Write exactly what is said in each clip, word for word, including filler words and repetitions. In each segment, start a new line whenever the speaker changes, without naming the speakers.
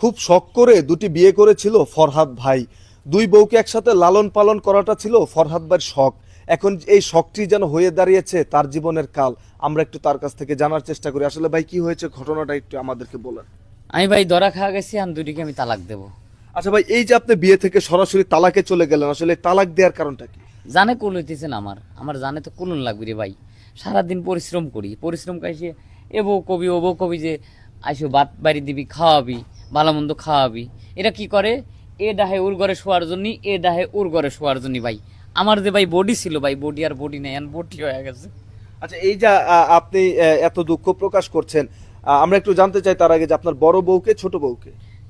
খুব শখ করে দুটি বিয়ে করেছিল ফরহাদ ভাই। দুই বউকে একসাথে লালন পালন করাটা ছিল ফরহাদ ভাইয়ের শখ। এখন এই শখটি যেন হয়ে দাঁড়িয়েছে তার জীবনের কাল। আমরা একটু তার কাছ থেকে জানার চেষ্টা করি আসলে ভাই কি হয়েছে, ঘটনাটা একটু আমাদেরকে বলেন।
আমি ভাই ধরা খাওয়া গেছি, আমি দুটিকে আমি তালাক দেব।
আচ্ছা ভাই, এই যে আপনি বিয়ে থেকে সরাসরি তালাকে চলে গেলেন, আসলে তালাক দেওয়ার কারণটা কি?
জানে কুল হইতেছেন আমার আমার জানে তো কুলুন লাগবে রে ভাই। সারাদিন পরিশ্রম করি, পরিশ্রম কাইসে এ বউ কবি ও বউ কবি যে আইসো ভাত বাড়ি দিবি, খাওয়াবি, ভালো মন্দ খাওয়াবি। এটা কি করে, এ ডাহে ওর ঘরে শোয়ার জন্য, এ ডাহে ওর ঘরে শোয়ার জন্য। ভাই আমার যে ভাই বডি ছিল ভাই, বডি আর বডি নেই, এখন বডি হয়ে গেছে।
আচ্ছা, এই যে আহ, আপনি আহ, এত দুঃখ প্রকাশ করছেন, আহ, আমরা একটু জানতে চাই তার আগে যে আপনার বড় বউকে ছোট বউকে?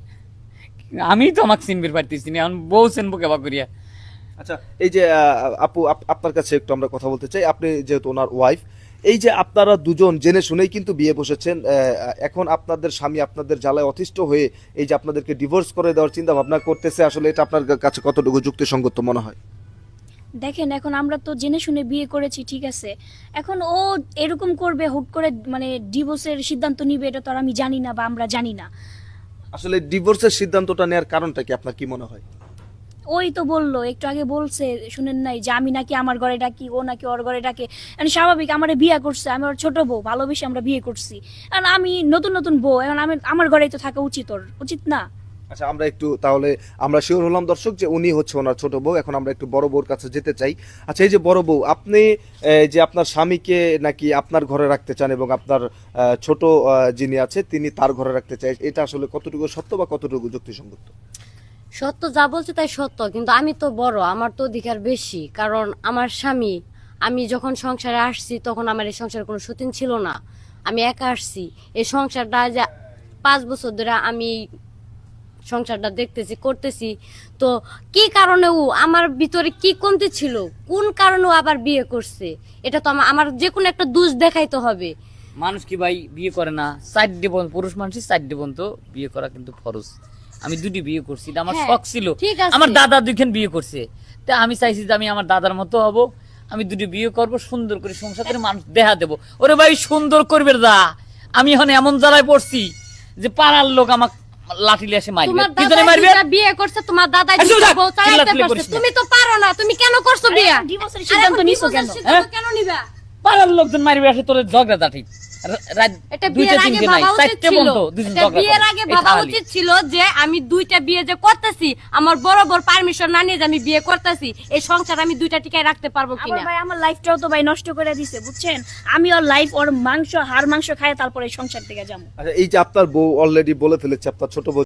আমি তো আমাকে চিনবির পারতেছি না, এখন বউ চিনবো কেবা করিয়া।
আচ্ছা, এই যে আহ, আপু আপ- আপনার কাছে একটু আমরা কথা বলতে চাই, আপনি যেহেতু ওনার ওয়াইফ, এই যে আপনারা দুজন জেনে শুনেই কিন্তু বিয়ে বসেছেন, আহ, এখন আপনাদের স্বামী আপনাদের জ্বালায় অতিষ্ঠ হয়ে এই যে আপনাদেরকে ডিভোর্স করে দেওয়ার চিন্তা ভাবনা করতেছে, আসলে এটা আপনার কাছে কতটুকু যুক্তিসঙ্গত মনে হয়?
দেখেন, এখন আমরা তো জেনে শুনে বিয়ে করেছি, ঠিক আছে। এখন ও এরকম করবে, হুট করে মানে ডিভোর্সের সিদ্ধান্ত নিবে, এটা তো আর আমি জানি না বা আমরা জানি না।
আসলে ডিভোর্সের সিদ্ধান্তটা নেওয়ার কারণটা কি আপনার কি মনে হয়?
ওই তো বললো, একটু আগে বলছে, শুনেন নাই যে আমি নাকি আমার ঘরে ডাকি, ও নাকি ওর ঘরে ডাকে। এখন স্বাভাবিক, আমার বিয়ে করছে, আমি ওর ছোট বউ, ভালোবেসে আমরা বিয়ে করছি। এখন আমি নতুন নতুন বউ, এখন আমি আমার ঘরেই তো থাকা উচিত, ওর উচিত না?
আচ্ছা, আমরা একটু তাহলে আমরা শিওর হলাম দর্শক যে উনি হচ্ছে ওনার ছোট বউ। এখন আমরা একটু বড় বউর কাছে যেতে চাই। আচ্ছা, এই যে বড় বউ, আপনি এই যে আপনার স্বামীকে নাকি আপনার ঘরে রাখতে চান এবং আপনার আহ, ছোট আহ, যিনি আছে তিনি তার ঘরে রাখতে চাই, এটা আসলে কতটুকু সত্য বা কতটুকু যুক্তিসঙ্গত?
সত্য যা বলছে তাই সত্য, কিন্তু আমি তো বড়, আমার তো অধিকার বেশি। কারণ আমার স্বামী, আমি যখন সংসারে আসছি তখন আমার এই সংসারে কোনো সতীন ছিল না, আমি একা আসছি। এই সংসারটা যে পাঁচ বছর ধরে আমি সংসারটা দেখতেছি, করতেছি। তো কি কারণে ও আমার ভিতরে কি কমতি ছিল, কোন কারণে ও আবার বিয়ে করছে, এটা তো আমার আমার যে কোনো একটা দোষ দেখাইতে হবে।
মানুষ কি ভাই বিয়ে করে না? চার জীবন পুরুষ মানুষই চার জীবন তো বিয়ে করা কিন্তু ফরজ। আমি দুটি বিয়ে করছি, এটা আমার
হ্যাঁ,
শখ ছিল।
ঠিক আছে।
আমার দাদা দুইখান বিয়ে করছে, তা আমি চাইছি যে আমি আমার দাদার মতো হব, আমি দুটি বিয়ে করব, সুন্দর করে সংসার করে মানুষ দেখা দেবো। ওরে ভাই সুন্দর করবে দা, আমি এখন এমন জ্বালায় পড়ছি যে পাড়ার লোক আমাক লাঠি লিয়ে এসে মারবে।
তোমার
কি
দাদা
জানে মারবে?
দুইটা বিয়ে করছে, তোমার দাদা
এই চুপ
দুইটা
থাক,
বউ চালাইতে
চিল্লাচিল্লি
পারছে,
করিস না।
তুমি তো পারো না, তুমি কেন করছো বিয়ে?
ডিভোর্সের
আরে
সিদ্ধান্ত
এখন
নিছো কেন?
divorce এর সিদ্ধান্ত কেন নিবা?
পাড়ার লোকজন মারবে আসে তোর ঝগড়া জাঠি। রাত
এটা
দুইটা
বিয়ের আগে
তিনটে নাই,
ভাবা উচিত
চারটে
ছিল,
বন্ধ, দুজন
এটা
ঝগড়া
বিয়ের
করে।
আগে
এই
ভাবা
খালি।
উচিত ছিল যে আমি দুইটা বিয়ে যে করতেছি, আমার বরাবর পারমিশন না নিয়ে যে আমি বিয়ে করতেছি, এই সংসার আমি দুইটা টিকায় রাখতে পারবো
আবার
কিনা।
ভাই আমার লাইফটাও তো ভাই নষ্ট করে দিছে, বুঝছেন। আমি ওর লাইফ, ওর মাংস, হাড় মাংস খায় তারপরে এই সংসার থেকে যাবো।
আচ্ছা, এই যে আপনার বউ অলরেডি বলে ফেলেছে আপনার ছোট বউ